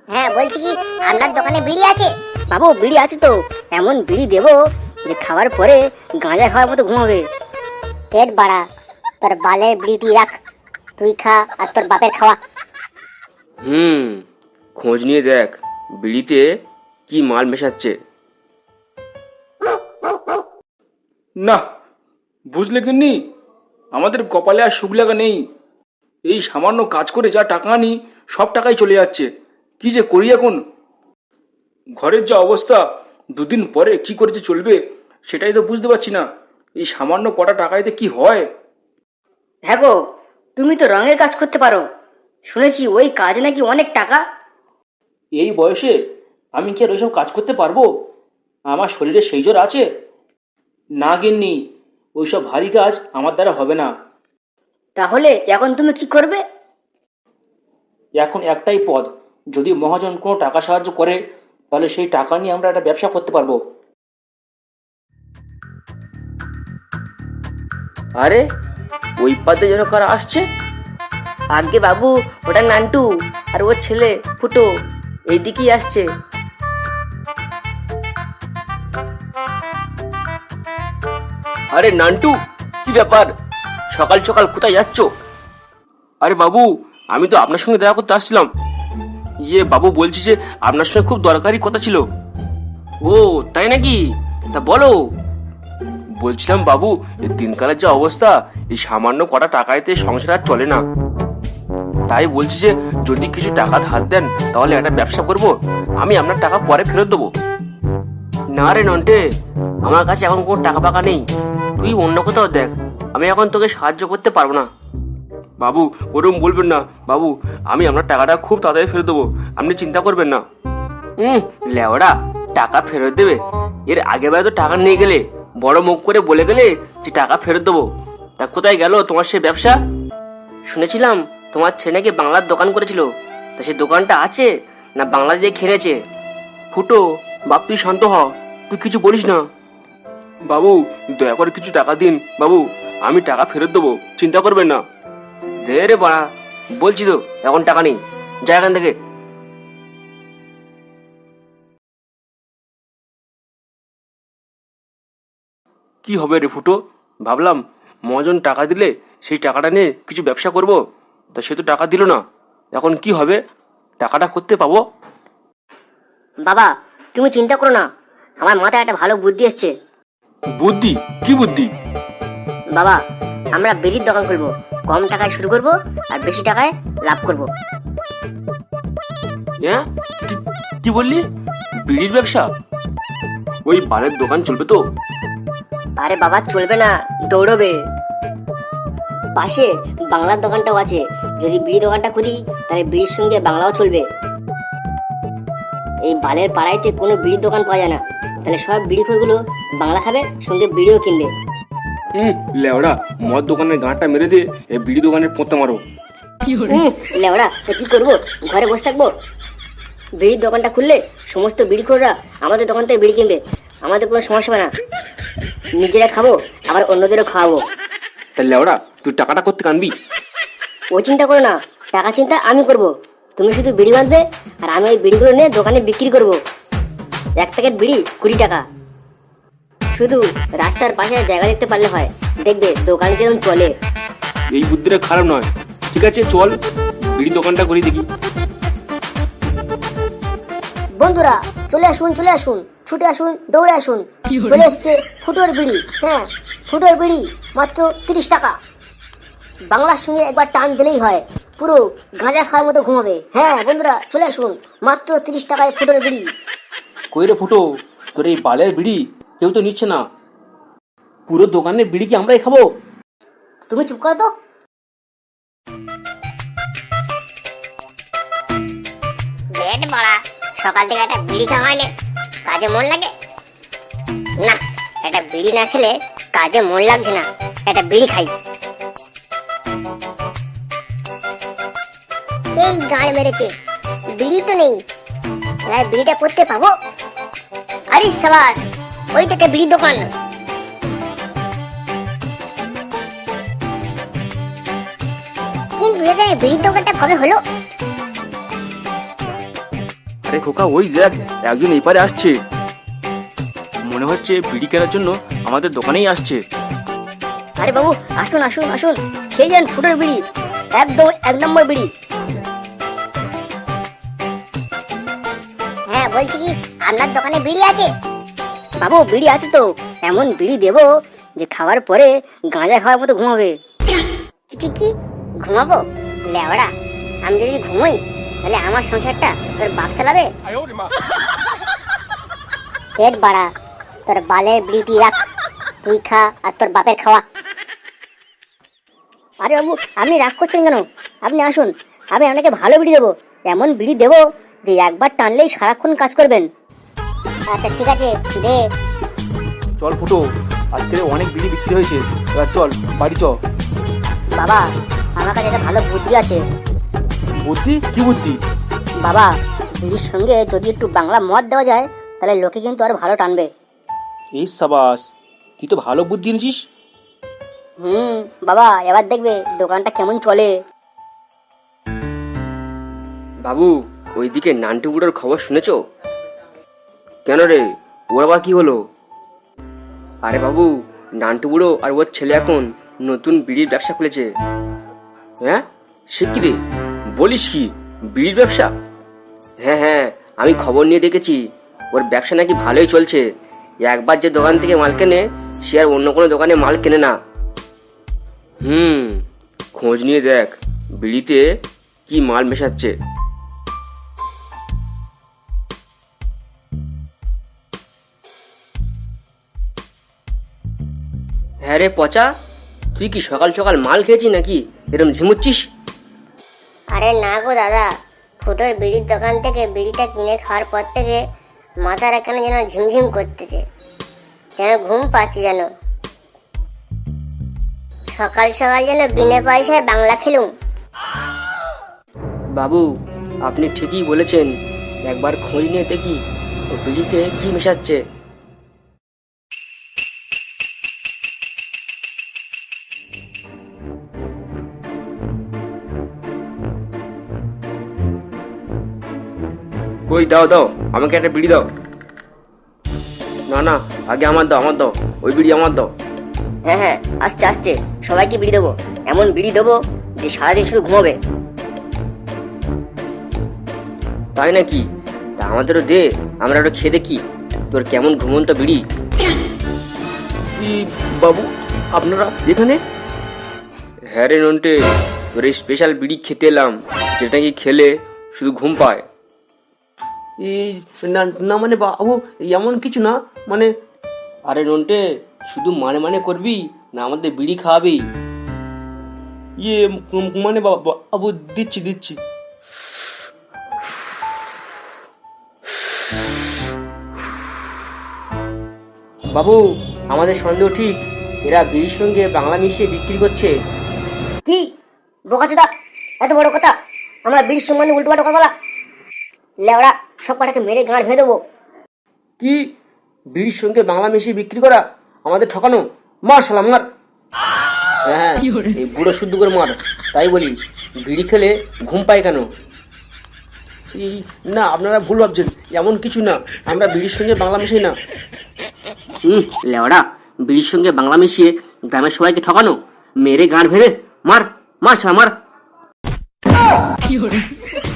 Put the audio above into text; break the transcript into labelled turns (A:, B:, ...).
A: হ্যাঁ বলছি কি, আপনার দোকানে বিড়ি আছে?
B: বাবু বিড়ি আছে তো, এমন বিড়ি দেবো যে খাওয়ার পরে গাঁজা খাওয়ার মতো ঘুমাবে।
A: পেট বাড়া, তোর বালের বিড়ি তুই রাখ, তুই খা আর তোর বাপের খাওয়া।
C: খোঁজ নিয়ে দেখ বিড়িতে কি মাল মেশাচ্ছে।
D: না, বুঝলে কিন্নি, আমাদের কপালে আর সুখ লাগা নেই। এই সামান্য কাজ করে যা টাকা আনি সব টাকাই চলে যাচ্ছে। কি যে করি এখন, ঘরের যা অবস্থা, দুদিন পরে কি করে যে চলবে সেটাই তো বুঝতে পারছি না। এই সামান্য কটা টাকাইতে কি হয়?
B: হ্যাঁ গো, তুমি তো রঙের কাজ করতে পারো, শুনেছি ওই কাজ নাকি অনেক টাকা।
D: এই বয়সে আমি কি আর ওইসব কাজ করতে পারবো? আমার শরীরে সেই জোর আছে? না গিন্নি, ওইসব ভারী কাজ আমার দ্বারা হবে না।
B: তাহলে এখন তুমি কি করবে?
D: এখন একটাই পদ, যদি মহাজন কোনো টাকা সাহায্য করে তাহলে সেই টাকা নিয়ে আমরা একটা ব্যবসা করতে পারবো।
C: আরে ওই পাতে যেন কারা আসছে।
B: আগে বাবু, ওটা নান্টু আর ওর ছেলে ফুটো এইদিকেই আসছে।
C: আরে নান্টু, কি ব্যাপার, সকাল সকাল কোথায় যাচ্ছ? আরে বাবু, আমি তো আপনার সঙ্গে দেখা করতে আসছিলাম। বাবু বলছি যে আপনার সঙ্গে খুব দরকারি কথা ছিল। ও তাই নাকি? তা বলো। বলছিলাম বাবু, এই দিনকালের যে অবস্থা, এই সামান্য কটা টাকাইতে সংসার আর চলে না। তাই বলছি যে যদি কিছু টাকা ধার দেন তাহলে একটা ব্যবসা করব, আমি আপনার টাকা পরে ফেরত দেবো। না রে নন্টে, আমার কাছে এখন কোনো টাকা পাকা নেই, তুই অন্য কোথাও দেখ, আমি এখন তোকে সাহায্য করতে পারবো না। বাবু ওরকম বলবেন না বাবু, আমি আপনার টাকাটা খুব তাড়াতাড়ি ফেরত দেবো, আপনি চিন্তা করবেন না। লেওড়া, টাকা ফেরত দেবে? এর আগেবারে তো টাকা নিয়ে গেলে, বড় মুখ করে বলে গেলে যে টাকা ফেরত দেবো। তা কোথায় গেল তোমার সে ব্যবসা? শুনেছিলাম তোমার ছেলে নাকি বাংলার দোকান করেছিল, তা সে দোকানটা আছে না বাংলা দিয়ে খেলেছে? ফুটো বাপ, তুই শান্ত হ, তুই কিছু বলিস না। বাবু দয়া করে কিছু টাকা দিন বাবু, আমি টাকা ফেরত দেবো, চিন্তা করবেন না। দে রে বাড়া, বলছি তো এখন টাকা নেই, যা এখান থেকে। কি হবে রে ফুটো, ভাবলাম মহাজন টাকা দিলে সেই টাকাটা নিয়ে কিছু ব্যবসা করব, তা সে তো টাকা দিল না, এখন কি হবে? টাকাটা করতে পাবো?
B: বাবা তুমি চিন্তা করো না, আমার মাথায় একটা ভালো বুদ্ধি এসছে।
C: বুদ্ধি? কি বুদ্ধি?
B: বাবা, আমরা বিড়ির দোকান খুলবো, কম টাকায় শুরু করব আর বেশি টাকায় লাভ করব।
C: হ্যাঁ, কি বললি? বিড়ির ব্যবসা? ওই বারের দোকান চলবে তো?
B: আরে বাবা চলবে না, দৌড়বে। পাশে বাংলার দোকানটাও আছে, যদি বিড়ি দোকানটা করি তাহলে বিড়ির সঙ্গে বাংলাও চলবে। এই বালের পাড়াইতে কোনো বিড়ির দোকান পাওয়া যায় না, তাহলে সব বিড়িখোরগুলো বাংলা খাবে, সঙ্গে বিড়িও কিনবে।
C: লেওড়া, মদ দোকানের গাঁটটা মেরে দিয়ে এই বিড়ি দোকানের পোঁতা মারো।
B: লেওড়া, তো কি করবো, ঘরে বসে থাকবো? বিড়ির দোকানটা খুললে সমস্ত বিড়িখোররা আমাদের দোকান থেকে বিড়ি কিনবে, আমাদের কোনো সমস্যা হবে না, নিজেরা খাবো আবার অন্যদেরও খাওয়াবো।
C: তাহলে লেওড়া, তুই টাকাটা করতে কানবি?
B: ও চিন্তা করো না, টাকা চিন্তা আমি করব, তুমি শুধু বিড়ি বাঁধবে আর আমি ওই বিড়িগুলো নিয়ে দোকানে বিক্রি করব। এক প্যাকেট বিড়ি 20 টাকা। শুধু রাস্তার পাশে জায়গা দেখতে পারলে হয়, দেখবে দোকান কিরকম চলে।
C: এই বুদ্ধিটা খারাপ নয়, ঠিক আছে চল বিড়ি দোকানটা করি দেখি।
A: বন্ধুরা চলে আসুন, চলে আসুন, ছুটে আসুন, দৌড়ে আসুন, চলে এসছে ফুটোর বিড়ি। হ্যাঁ, ফুটোর বিড়ি মাত্র 30 টাকা। বাংলার সঙ্গে একবার টান দিলেই হয়, পুরো গাঁজা খাওয়ার মতো ঘুমাবে। হ্যাঁ বন্ধুরা চলে আসুন, মাত্র 30 টাকায় ফুটোর বিড়ি।
D: কই রে ফুটো, তোর এই বালের বিড়ি কেউ তো নিচ্ছে না, পুরো দোকানের বিড়ি কি আমরাই খাবো?
A: তুমি চুপ করো তো। পেট বড়া, সকাল থেকে একটা বিড়ি খাওয়া হয়নি, কাজে মন লাগে না। একটা বিড়ি না খেলে কাজে মন লাগছে না, একটা বিড়ি খাই। এই গাড় মেরেছে, বিড়ি তো নেই, বিড়িটা করতে পাবো? আরে সাবাস, ওই তো একটা বিড়ির দোকান। কিন্তু এখানে বিড়ির দোকানটা কবে হলো?
C: আরে খোকা ওই দেখ একজন এপারে আসছে, মনে হচ্ছে বিড়ি কেনার জন্য আমাদের দোকানেই আসছে।
B: আরে বাবু আসুন আসুন আসুন, খেয়ে যান ফুটোর বিড়ি, একদম 1 নম্বর বিড়ি।
A: হ্যাঁ বলছি কি আপনার দোকানে বিড়ি আছে?
B: বাবু বিড়ি আছে তো, এমন বিড়ি দেবো যে খাওয়ার পরে গাঁজা খাওয়ার মতো ঘুমাবে।
A: কি কি ঘুমাবো? লেওড়া, আমি যদি ঘুমোই তাহলে আমার সংসারটা তোর বাপ চালাবে? পেট বাড়া, তোর বালের বিড়ি রাখ, তুই খা আর তোর বাপের খাওয়া।
B: আরে বাবু আপনি রাগ করছেন কেন? আপনি আসুন, আমি আপনাকে ভালো বিড়ি দেবো, এমন বিড়ি দেবো যে একবার টানলেই সারাক্ষণ কাজ করবেন।
A: আচ্ছা ঠিক আছে দে।
D: চল ফুটো, আজকে অনেক বিড়ি বিক্রি হয়েছে, এবার চল বাড়ি চ।
B: বাবা আমার কাছে একটা ভালো বুদ্ধি আছে।
D: বুদ্ধি? কি বুদ্ধি?
B: বাবা বিড়ির সঙ্গে যদি একটু বাংলা মদ দেওয়া যায় তাহলে লোকে কিন্তু আরো ভালো টানবে।
D: এই সাবাস, তুই তো ভালো বুদ্ধি এনেছিস।
B: বাবা এবার দেখবে দোকানটা কেমন চলে।
C: বাবু ওইদিকে নান্টু বুড়োর খবর শুনেছো? কেন রে, ওর আবার কি হলো? আরে বাবু নান্টু বুড়ো আর ওর ছেলে এখন নতুন বিড়ির ব্যবসা খুলেছে। হ্যাঁ সে কি রে, বলিস কি, বিড়ির ব্যবসা? হ্যাঁ হ্যাঁ, আমি খবর নিয়ে দেখেছি, ওর ব্যবসা নাকি ভালোই চলছে। একবার যে দোকান থেকে মাল কেনে সে আর অন্য কোনো দোকানে মাল কেনে না। খোঁজ নিয়ে দেখ বিড়িতে কি মাল মেশাচ্ছে। হ্যাঁ রে পচা, তুই কি সকাল সকাল মাল খেয়েছিস নাকি এরম ঝিমুচ্ছিস?
A: আরে না গো দাদা, ফুটোর বিড়ির দোকান থেকে বিড়িটা কিনে খাওয়ার পর থেকে মাথার এখানে যেন ঝিমঝিম করতেছে, যেন ঘুম পাচ্ছে, যেন সকাল সকাল যেন বিনা পয়সায় বাংলা খেলুম।
C: বাবু আপনি ঠিকই বলেছেন, একবার খোঁজ নিয়ে দেখি ও বিড়িতে কি মেশাচ্ছে। ওই দাও দাও, আমাকে একটা বিড়ি দাও। না না, আগে আমার দাও, আমার দাও, ওই বিড়ি আমার দাও।
B: হ্যাঁ হ্যাঁ আস্তে আস্তে সবাইকে বিড়ি দেবো, এমন বিড়ি দেবো যে সারাদিন শুধু ঘুমাবে।
C: তাই নাকি? তা আমাদেরও দে, আমরা ওটা খেয়ে দেখি তোর কেমন ঘুমন্ত বিড়ি। বাবু আপনারা এখানে? হ্যাঁ রে নন্টে, তোর এই স্পেশাল বিড়ি খেতে এলাম, যেটা কি খেলে শুধু ঘুম পায়।
E: এই না মানে বাবু এমন কিছু না মানে।
C: আরে নন্টে, শুধু মানে মানে করবি না আমাদের বিড়ি খাওয়াবি?
E: ইয়ে মানে বাবু দিচ্ছি দিচ্ছি।
C: বাবু আমাদের সন্দেহ ঠিক, এরা বিড়ির সঙ্গে বাংলা মিশিয়ে বিক্রি করছে।
B: কি বোকাচোদা, এত বড় কথা, আমরা বিড়ির সম্বন্ধে উল্টো পাল্টা কথা বলা? লেওড়া সব কটাকে মেরে গাঁড় ভেঙে দেবো।
C: কি বিড়ির সঙ্গে বাংলা মিশিয়ে বিক্রি করা? আমাদের ঠকানো, মার শালা মার। হ্যাঁ এই বুড়ো শুদ্ধ করে মার। তাই বলি বিড়ি খেলে ঘুম পায় কেন?
E: এই না আপনারা ভুল ভাবছেন, এমন কিছু না, আমরা বিড়ির সঙ্গে বাংলা মিশাই না।
C: লেওড়া, বিড়ির সঙ্গে বাংলা মিশিয়ে গ্রামের সবাইকে ঠকানো, মেরে গাঁড় ভেঙে মার, মার শালা মার।